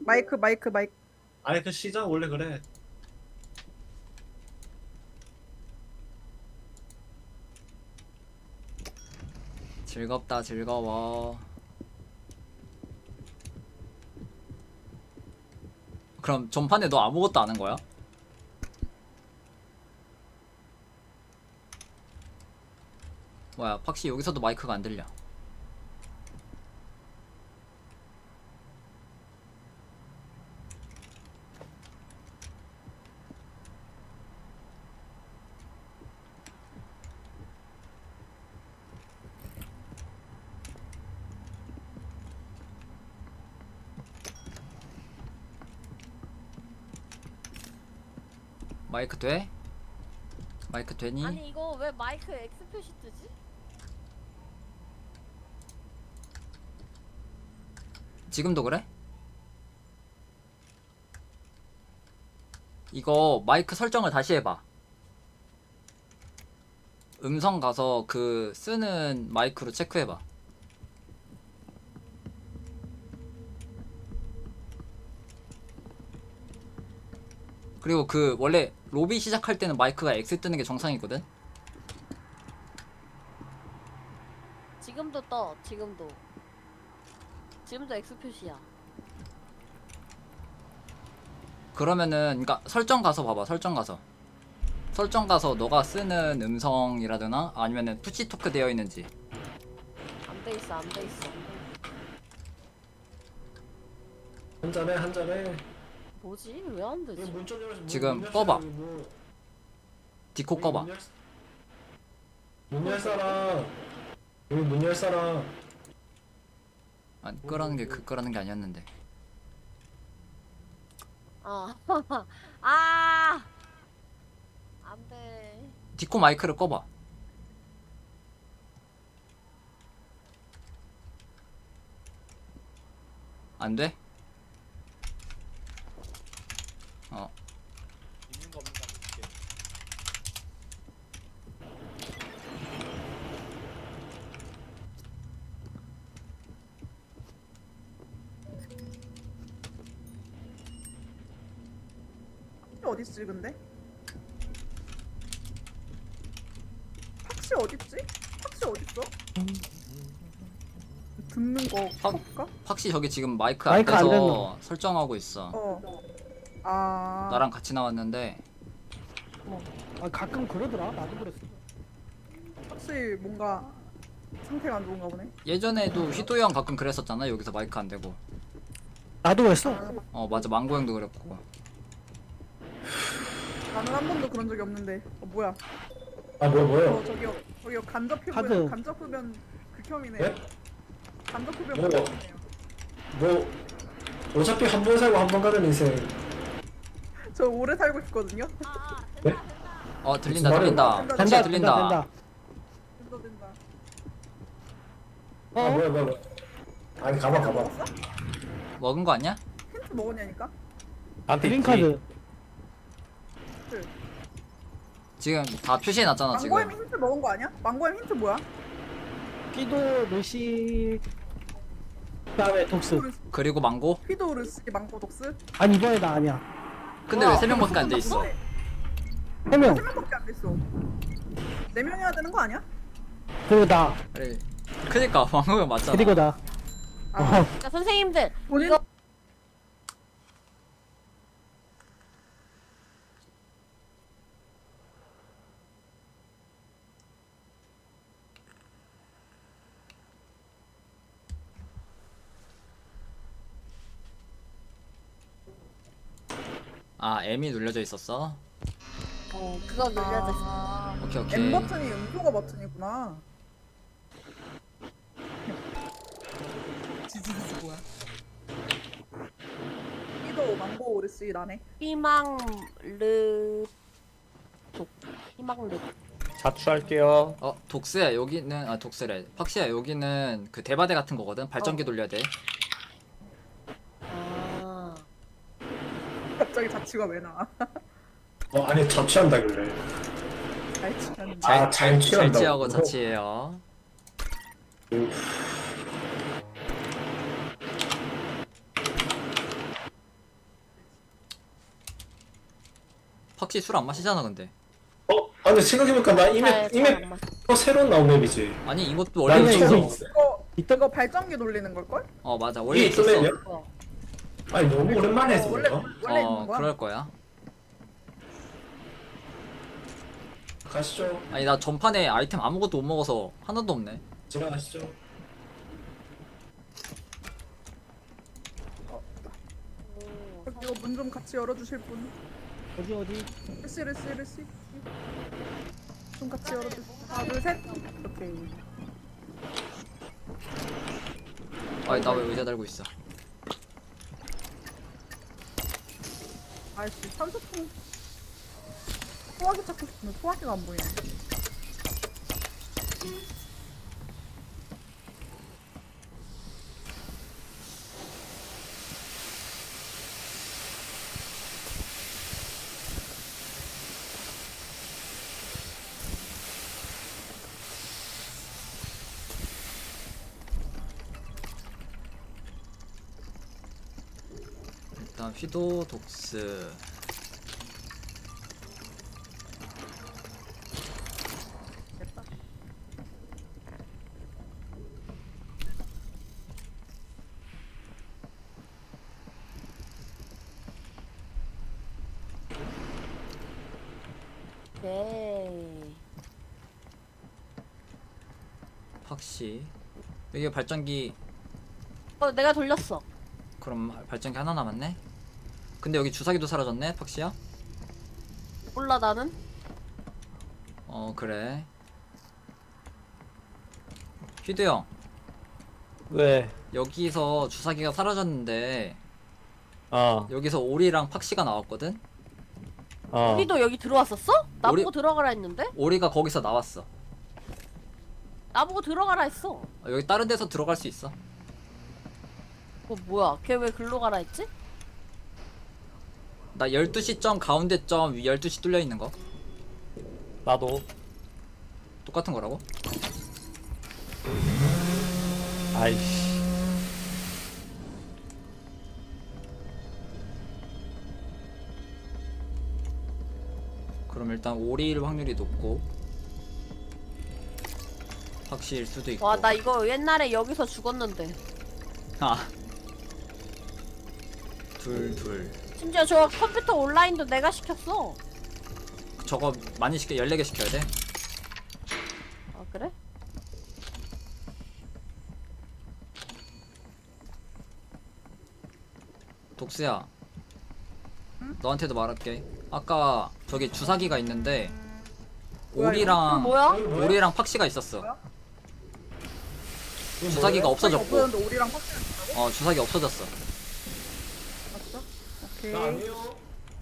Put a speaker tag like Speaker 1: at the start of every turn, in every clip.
Speaker 1: 마이크.
Speaker 2: 아니 그 시장 원래 그래.
Speaker 3: 즐겁다 즐거워. 그럼 전판에 너 아무것도 안 한 거야? 뭐야 팍시 여기서도 마이크가 안 들려. 마이크 돼? 마이크 되니?
Speaker 4: 아니 이거 왜 마이크 X 표시 뜨지?
Speaker 3: 지금도 그래? 이거 마이크 설정을 다시 해봐. 음성 가서 그 쓰는 마이크로 체크해봐. 그리고 그 원래 로비 시작할 때는 마이크가 X 뜨는 게 정상이거든?
Speaker 4: 지금도 떠. 지금도 X 표시야.
Speaker 3: 그러면은 그니까 설정 가서 봐봐. 설정 가서 너가 쓰는 음성이라거나 아니면은 푸시 토크 되어 있는지.
Speaker 4: 안 돼 있어. 안 돼 있어.
Speaker 2: 한 잔해.
Speaker 4: 뭐지? 왜 안 되지?
Speaker 2: 문좀 열어서
Speaker 3: 지금 꺼봐. 디코 꺼봐.
Speaker 2: 문 열 사람. 여기 문 열 사람.
Speaker 3: 아니 끄라는 게 끄라는 게 아니었는데.
Speaker 4: 아. 아. 안 돼.
Speaker 3: 디코 마이크를 꺼봐. 안 돼? 어.
Speaker 5: 있는 거 없는 거 한번 볼게.
Speaker 1: 어딨지 근데? 팍시 어딨지? 팍시 어딨어? 듣는 거 볼까?
Speaker 3: 팍시 저기 지금 마이크
Speaker 6: 마이크 안
Speaker 3: 앞에서 설정하고 있어.
Speaker 1: 아
Speaker 3: 나랑 같이 나왔는데
Speaker 6: 아, 가끔 그러더라. 나도 그랬어.
Speaker 1: 팍시 뭔가 상태가 안 좋은가 보네.
Speaker 3: 예전에도 휘도 형 가끔 그랬었잖아. 여기서 마이크 안 되고.
Speaker 6: 나도 그랬어.
Speaker 3: 어 맞아 망고 형도 그랬고.
Speaker 1: 나는 한 번도 그런 적이 없는데. 뭐야?
Speaker 2: 아 뭐요?
Speaker 1: 저기요 간접
Speaker 6: 카드.
Speaker 1: 흡연 간접 흡연 극혐이네요.
Speaker 2: 네?
Speaker 1: 간접 흡연
Speaker 2: 뭐?
Speaker 1: 극혐이네요.
Speaker 2: 뭐 어차피 한 번 살고 한 번 가는 인생.
Speaker 1: 저 오래 살고 싶거든요.
Speaker 4: 된다.
Speaker 3: 어 들린다
Speaker 2: 무슨
Speaker 3: 들린다.
Speaker 1: 말이야?
Speaker 3: 팍시야
Speaker 6: 된다,
Speaker 3: 들린다.
Speaker 6: 된다.
Speaker 1: 된다.
Speaker 2: 아 뭐야. 아니 가봐.
Speaker 1: 먹었어?
Speaker 3: 먹은 거 아니야?
Speaker 1: 힌트 먹었냐니까?
Speaker 6: 그린카드.
Speaker 3: 지금 다 표시해놨잖아 지금.
Speaker 1: 망고햄 힌트 먹은 거 아니야? 망고햄 힌트 뭐야?
Speaker 6: 피도, 루시. 그다음에 독스.
Speaker 3: 그리고 망고?
Speaker 1: 피도르스 망고 독스?
Speaker 6: 아니, 이번에 나 아니야.
Speaker 3: 근데 왜 3명밖에 안 돼 있어?
Speaker 6: 3명.
Speaker 1: 3명밖에 안 됐어. 4명 해야 되는 거 아니야?
Speaker 6: 그리고 나.
Speaker 3: 그래. 그니까 망고 형 맞잖아.
Speaker 6: 그리고 나.
Speaker 1: 아,
Speaker 4: 그러니까 선생님들
Speaker 1: 본인
Speaker 4: 이거
Speaker 3: 아 M이 눌려져 있었어?
Speaker 4: 그거 눌려져 있어.
Speaker 3: 오케이 오케이.
Speaker 1: M 버튼이 음소거 버튼이구나. 지지지지 뭐야? 피도 망고 오르시 나네.
Speaker 4: 희망르 독 희망르
Speaker 5: 자취할게요.
Speaker 3: 어 독스야 여기는 아 독스래. 팍시야 여기는 그 대바대 같은 거거든. 발전기 돌려야 돼.
Speaker 4: 아
Speaker 1: 갑자기 자취가 왜 나와?
Speaker 2: 아니 자취한다길래.
Speaker 1: 잘 치는.
Speaker 2: 잘 취한다고.
Speaker 3: 잘지하고 자취해요. 팍시 술 안 마시잖아 근데.
Speaker 2: 아 근데 생각해보니까 나
Speaker 4: 잘
Speaker 2: 이맵
Speaker 4: 안 맞아.
Speaker 2: 새로운 나온 맵이지.
Speaker 3: 아니 이것도
Speaker 2: 난
Speaker 3: 원래
Speaker 2: 처음
Speaker 3: 있었어.
Speaker 2: 봤어.
Speaker 1: 이거 발전기 돌리는 걸걸?
Speaker 3: 어 맞아
Speaker 2: 이게
Speaker 3: 원래
Speaker 2: 있던
Speaker 3: 있었어.
Speaker 2: 맵이야?
Speaker 4: 어.
Speaker 2: 아니 너무 오랜만에 해서
Speaker 1: 원래
Speaker 2: 그런가?
Speaker 1: 원래 있는 거야?
Speaker 3: 그럴 거야.
Speaker 2: 가시죠.
Speaker 3: 아니 나 전판에 아이템 아무것도 못 먹어서 하나도 없네.
Speaker 2: 지나가시죠.
Speaker 1: 이거 문 좀 같이 열어주실 분?
Speaker 6: 어디
Speaker 1: 레시 좀 같이 열어주세요. 하나 둘 셋. 오케이.
Speaker 3: 아니 나 왜 의자 달고 있어?
Speaker 1: 아이씨 산소통 소화기 찾고 싶은데 소화기가 안 보이네.
Speaker 3: 일단 휘도 독스.
Speaker 1: 됐다.
Speaker 4: 오케이.
Speaker 3: 팍시. 여기 발전기.
Speaker 4: 내가 돌렸어.
Speaker 3: 그럼 발전기 하나 남았네. 근데 여기 주사기도 사라졌네 팍시야.
Speaker 4: 몰라 나는.
Speaker 3: 어 그래. 휘드 형
Speaker 5: 왜?
Speaker 3: 여기서 주사기가 사라졌는데
Speaker 5: 어.
Speaker 3: 여기서 오리랑 팍시가 나왔거든.
Speaker 4: 우리도 여기 들어왔었어? 나보고
Speaker 3: 우리-
Speaker 4: 들어가라 했는데?
Speaker 3: 오리가 거기서 나왔어.
Speaker 4: 나보고 들어가라 했어.
Speaker 3: 여기 다른 데서 들어갈 수 있어.
Speaker 4: 뭐야? 걔 왜 글로 가라 했지?
Speaker 3: 나 12시 점 가운데 점 위 12시 뚫려 있는 거
Speaker 5: 나도.
Speaker 3: 똑같은 거라고?
Speaker 5: 아이씨.
Speaker 3: 그럼 일단 오리일 확률이 높고 팍시일 수도 있고.
Speaker 4: 와 나 이거 옛날에 여기서 죽었는데.
Speaker 3: 아. 둘.
Speaker 4: 심지어 저 컴퓨터 온라인도 내가 시켰어.
Speaker 3: 저거 많이 시켜 14개 시켜야 돼.
Speaker 4: 아 그래?
Speaker 3: 독스야. 너한테도 말할게. 아까 저기 주사기가 있는데
Speaker 1: 뭐야,
Speaker 3: 오리랑
Speaker 4: 뭐야?
Speaker 3: 오리랑 팍시가 있었어.
Speaker 1: 뭐야?
Speaker 3: 주사기가 없어졌고.
Speaker 1: 없어졌는데 오리랑 확실히 있다고?
Speaker 3: 어 주사기 없어졌어.
Speaker 1: 맞죠? 오케이.
Speaker 2: 나 아니에요.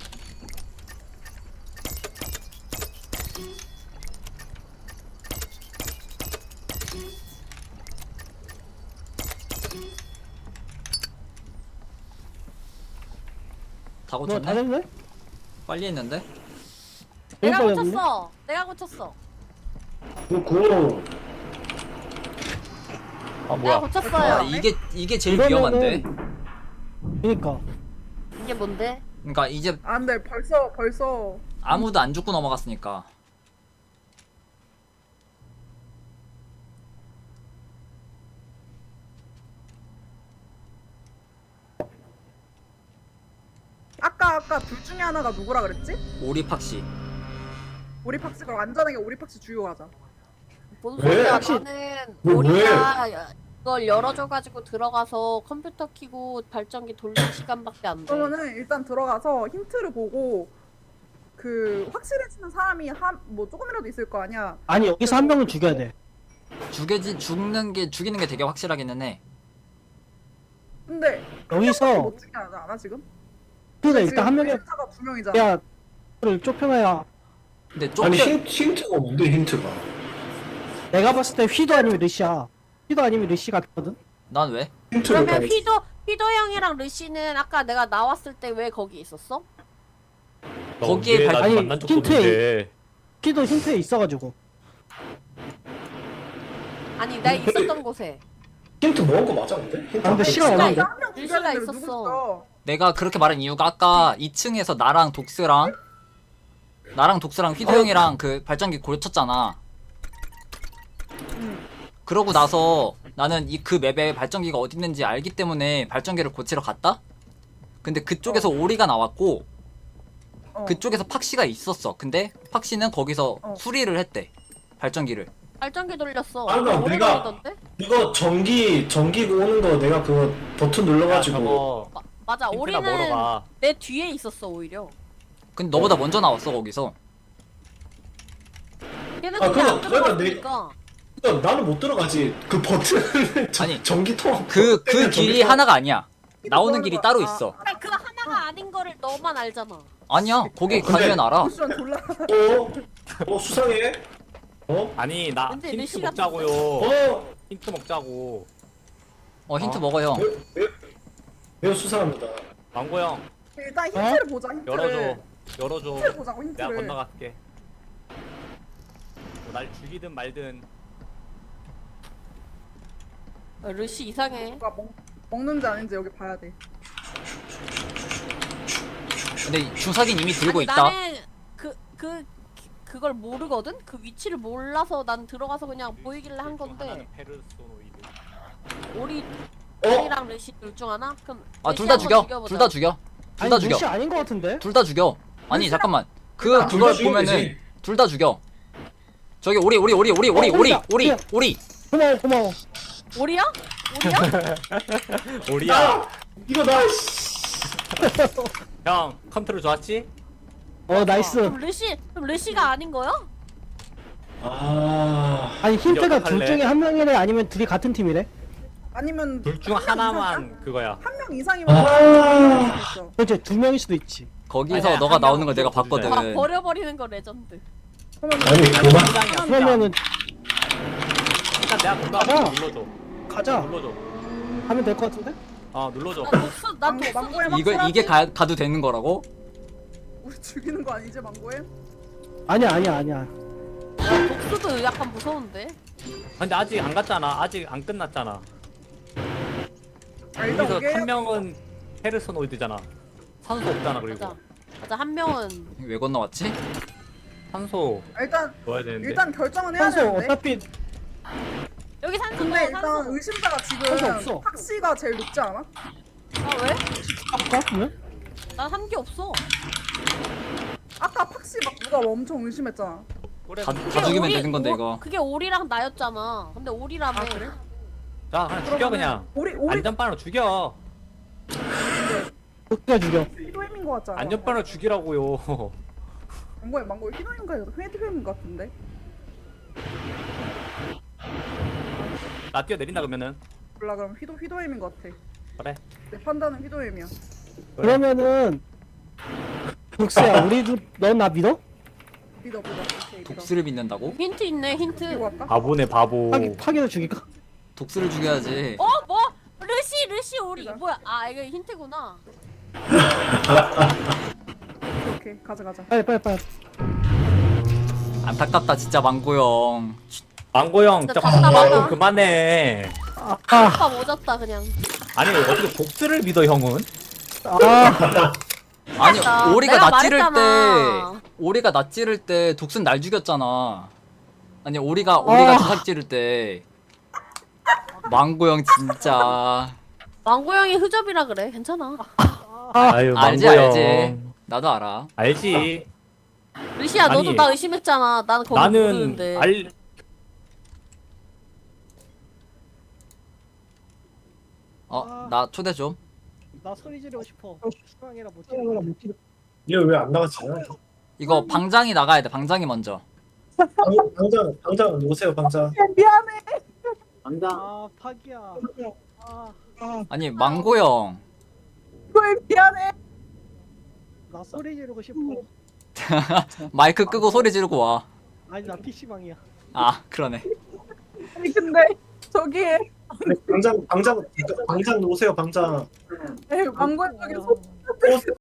Speaker 3: 다
Speaker 6: 뭐야 다
Speaker 3: 고쳤네?
Speaker 6: 됐네?
Speaker 3: 빨리 했는데?
Speaker 4: 내가
Speaker 6: 여기까지 왔네?
Speaker 4: 고쳤어. 내가 고쳤어.
Speaker 2: 그거
Speaker 5: 아
Speaker 4: 내가
Speaker 5: 뭐야?
Speaker 4: 고쳤어요.
Speaker 3: 아 이게 제일
Speaker 6: 이러면은-
Speaker 3: 위험한데?
Speaker 6: 그니까
Speaker 4: 이게 뭔데?
Speaker 3: 그러니까 이제
Speaker 1: 아 근데 벌써
Speaker 3: 아무도 안 죽고 넘어갔으니까.
Speaker 1: 아까 둘 중에 하나가 누구라 그랬지?
Speaker 3: 오리 팍시.
Speaker 1: 오리 팍스 그럼 안전하게 오리 팍스 주요 가자.
Speaker 4: 뭔
Speaker 2: 왜?
Speaker 4: 소리야?
Speaker 2: 혹시-
Speaker 4: 나는
Speaker 2: 왜?
Speaker 4: 우리가 이걸 열어줘가지고 들어가서 컴퓨터 켜고 발전기 돌릴 시간밖에 안 돼.
Speaker 1: 그러면은 일단 들어가서 힌트를 보고 그 확실해지는 사람이 한 뭐 조금이라도 있을 거 아니야.
Speaker 6: 아니 여기서 한 명을 죽여야 돼.
Speaker 3: 죽이는 게 되게 확실하기는 해.
Speaker 1: 근데
Speaker 6: 여기서
Speaker 1: 못 죽게 하지 않아 지금?
Speaker 6: 그래 일단 한 명이
Speaker 1: 타가 두 명이잖아.
Speaker 6: 야 를 좁혀놔야.
Speaker 3: 근데
Speaker 2: 아니
Speaker 3: 좁혀
Speaker 2: 힌트가 뭔데 힌트가?
Speaker 6: 내가 봤을 때 휘도 아니면 르시야. 휘도 아니면 르시 같거든.
Speaker 3: 난 왜?
Speaker 2: 힌트를
Speaker 4: 그러면
Speaker 2: 봐야지.
Speaker 4: 휘도 형이랑 르시는 아까 내가 나왔을 때 왜 거기 있었어?
Speaker 3: 거기에
Speaker 5: 나
Speaker 6: 아니,
Speaker 5: 만난 적
Speaker 6: 힌트에-
Speaker 5: 없는데.
Speaker 6: 휘도 힌트에 있어가지고.
Speaker 4: 아니 내가 있었던 곳에.
Speaker 2: 힌트 먹은 거 맞아 근데? 힌트
Speaker 6: 아, 근데
Speaker 2: 안
Speaker 6: 시간
Speaker 2: 했지?
Speaker 6: 없는데?
Speaker 1: 한명
Speaker 4: 일시가 있었어.
Speaker 3: 내가 그렇게 말한 이유가 아까 2층에서 나랑 독스랑 나랑 독스랑 휘도 형이랑 그 발전기 고쳤잖아. 그러고 나서 나는 그 맵에 발전기가 어디 있는지 알기 때문에 발전기를 고치러 갔다? 근데 그쪽에서 오리가 나왔고 그쪽에서 팍시가 있었어. 근데 팍시는 거기서 수리를 했대. 발전기를.
Speaker 4: 발전기 돌렸어.
Speaker 2: 아, 그럼
Speaker 4: 오래
Speaker 2: 내가-
Speaker 4: 걸리던데?
Speaker 2: 이거 전기 오는 거 내가 그거 버튼 눌러가지고
Speaker 5: 저거
Speaker 4: 맞아.
Speaker 5: 힌트나 먹으러
Speaker 4: 오리는
Speaker 5: 가.
Speaker 4: 내 뒤에 있었어 오히려.
Speaker 3: 근데 너보다 먼저 나왔어 거기서.
Speaker 4: 걔는
Speaker 2: 아,
Speaker 4: 근데 안
Speaker 2: 그거 내가
Speaker 4: 들어갔으니까.
Speaker 2: 그러니까 나는 못 들어가지. 그 버튼을
Speaker 3: 아니,
Speaker 2: 전기통
Speaker 3: 그 길이 하나가 아니야. 나오는 길이 따로 있어.
Speaker 4: 그러니까 그 하나가 아닌 거를 너만 알잖아.
Speaker 3: 아니야. 거기
Speaker 2: 근데-
Speaker 3: 가면 알아.
Speaker 1: 쿠션 졸라.
Speaker 2: 수상해.
Speaker 5: 아니 나
Speaker 4: 근데
Speaker 5: 힌트
Speaker 4: 루시가
Speaker 5: 먹자고요. 힌트 먹자고.
Speaker 3: 힌트 먹어 형.
Speaker 2: 매우 수상합니다.
Speaker 5: 망고 형
Speaker 1: 일단 힌트를 보자. 힌트를.
Speaker 5: 열어줘. 열어줘.
Speaker 1: 힌트를 보자고
Speaker 5: 내가
Speaker 1: 힌트를.
Speaker 5: 건너갈게. 날 죽이든 말든.
Speaker 4: 루시 이상해.
Speaker 1: 누가 먹는지 아닌지 여기 봐야 돼.
Speaker 3: 근데 주사긴 이미 들고
Speaker 4: 아니,
Speaker 3: 있다.
Speaker 4: 나는 그걸 모르거든? 그 위치를 몰라서 난 들어가서 그냥 보이길래 한 건데
Speaker 5: 하나는 페르소노이드.
Speaker 4: 오리랑 루시 둘 중 하나? 그럼
Speaker 3: 아
Speaker 4: 루시
Speaker 3: 둘 다
Speaker 4: 한번
Speaker 3: 죽여.
Speaker 4: 죽여보자.
Speaker 3: 둘 다 죽여. 둘
Speaker 6: 아니
Speaker 3: 다 죽여.
Speaker 6: 루시 아닌 것 같은데?
Speaker 3: 둘 다 죽여. 아니 잠깐만.
Speaker 2: 둘다
Speaker 3: 그걸
Speaker 2: 죽이면
Speaker 3: 보면은
Speaker 2: 되지.
Speaker 3: 둘 다 죽여. 저기 오리.
Speaker 6: 오리다.
Speaker 3: 오리.
Speaker 6: 고마워.
Speaker 4: 오리야? 오리야?
Speaker 5: 오리야.
Speaker 2: 이거 나
Speaker 5: 형 컨트롤 좋았지?
Speaker 6: 나이스.
Speaker 4: 그럼 루시가 아닌 거야?
Speaker 6: 아니 힌트가 둘
Speaker 5: 할래?
Speaker 6: 중에 한 명이래 아니면 둘이 같은 팀이래?
Speaker 1: 아니면
Speaker 5: 둘 중
Speaker 1: 한 명
Speaker 5: 하나만 그거야.
Speaker 1: 한 명 이상이면 할 수 있어.
Speaker 6: 그렇지 두 명일 수도 있지.
Speaker 3: 거기서
Speaker 5: 아니야,
Speaker 3: 너가
Speaker 5: 한
Speaker 3: 나오는
Speaker 5: 명은
Speaker 3: 걸 내가
Speaker 5: 좀
Speaker 3: 봤거든.
Speaker 5: 주자.
Speaker 4: 아 버려버리는 거 레전드.
Speaker 1: 그러면
Speaker 2: 아니 그만.
Speaker 5: 팀장이야.
Speaker 6: 그러면은
Speaker 5: 일단 내가 건너
Speaker 6: 가자.
Speaker 5: 눌러줘.
Speaker 6: 가자.
Speaker 5: 눌러줘.
Speaker 6: 하면 될 것 같은데?
Speaker 5: 눌러줘.
Speaker 4: 난
Speaker 1: 망고에
Speaker 3: 이게 가도 되는 거라고?
Speaker 1: 우리 죽이는 거 아니지 망고에?
Speaker 6: 아니야.
Speaker 4: 독수도 약간 무서운데?
Speaker 5: 근데 아직 안 갔잖아. 아직 안 끝났잖아.
Speaker 1: 일단
Speaker 5: 여기서
Speaker 1: 오게
Speaker 5: 한 명은 페르소노이드잖아. 산소 없잖아. 그리고
Speaker 4: 맞아 한 명은
Speaker 3: 왜 건너왔지?
Speaker 5: 산소
Speaker 1: 일단
Speaker 5: 넣어야 되는데.
Speaker 1: 일단 결정은 해야
Speaker 6: 산소
Speaker 1: 되는데.
Speaker 6: 어차피
Speaker 4: 여기 산소
Speaker 1: 근데
Speaker 4: 넣어,
Speaker 1: 일단
Speaker 4: 산소.
Speaker 1: 의심자가
Speaker 6: 산소
Speaker 1: 지금
Speaker 6: 없어.
Speaker 1: 탁시가 제일 높지 않아?
Speaker 4: 아 왜?
Speaker 6: 왜?
Speaker 4: 난 한 게 없어.
Speaker 1: 아까 팍시 막 누가 엄청 의심했잖아.
Speaker 5: 그래.
Speaker 3: 다
Speaker 4: 그게
Speaker 3: 죽이면 되는 건데 이거.
Speaker 4: 그게 오리랑 나였잖아. 근데 오리라며.
Speaker 1: 아 그래?
Speaker 5: 자 그냥 죽여 그냥.
Speaker 1: 오리
Speaker 5: 안전빵으로 죽여.
Speaker 6: 어떻게 죽여?
Speaker 1: 히도임인 거 같잖아.
Speaker 5: 안전빵으로 죽이라고요.
Speaker 1: 망고에 히도임인가 히도임인 거 같은데.
Speaker 5: 나 뛰어내린다 그러면은.
Speaker 1: 몰라 그럼 히도임인 거 같아.
Speaker 5: 그래.
Speaker 1: 내 판단은 히도임이야.
Speaker 6: 그러면은 독수야 우리도 넌 나 믿어?
Speaker 1: 믿어. 오케이 믿어.
Speaker 3: 독수를 믿는다고?
Speaker 4: 힌트 있네 힌트.
Speaker 1: 이거 할까?
Speaker 5: 바보네 바보.
Speaker 6: 파기도 죽일까?
Speaker 3: 독수를 죽여야지.
Speaker 4: 뭐? 루시 오리.
Speaker 1: 그래.
Speaker 4: 뭐야? 아 이거 힌트구나.
Speaker 1: 오케이 가자.
Speaker 6: 빨리.
Speaker 3: 안타깝다 진짜 망고 형.
Speaker 5: 망고 형 진짜
Speaker 4: 진짜 답답하다.
Speaker 5: 좀 그만해.
Speaker 4: 아빠 오졌다 그냥.
Speaker 5: 아니 어떻게 독스를 믿어 형은?
Speaker 3: 아니
Speaker 4: 맞다.
Speaker 3: 오리가
Speaker 4: 내가
Speaker 3: 낯찌를
Speaker 4: 말했잖아.
Speaker 3: 오리가 낯찌를 때 독수는 날 죽였잖아. 아니 오리가 주삭 찌를 때. 망고 형 진짜.
Speaker 4: 망고 형이 흐접이라 그래. 괜찮아.
Speaker 5: 아유
Speaker 3: 알지
Speaker 5: 망고 형.
Speaker 3: 알지. 나도 알아.
Speaker 5: 알지.
Speaker 4: 루시야 너도
Speaker 5: 아니,
Speaker 4: 나 의심했잖아. 난 거기
Speaker 5: 나는
Speaker 4: 모르는데.
Speaker 3: 나 초대 좀.
Speaker 6: 나 소리 지르고 싶어. 수강이라 못 지르.
Speaker 2: 이거 왜 안 나갔지?
Speaker 3: 이거 방장이 나가야 돼. 방장이 먼저.
Speaker 2: 당장 놓으세요 당장.
Speaker 1: 미안해.
Speaker 6: 파기야.
Speaker 3: 아니 망고 형.
Speaker 1: 히도임 미안해.
Speaker 6: 나 소리 지르고 싶어.
Speaker 3: 마이크 끄고 소리 지르고 와.
Speaker 6: 아니 나 PC방이야.
Speaker 3: 아 그러네.
Speaker 1: 아니 근데 저기
Speaker 2: 당장 놓으세요 당장.
Speaker 1: 망고에 저기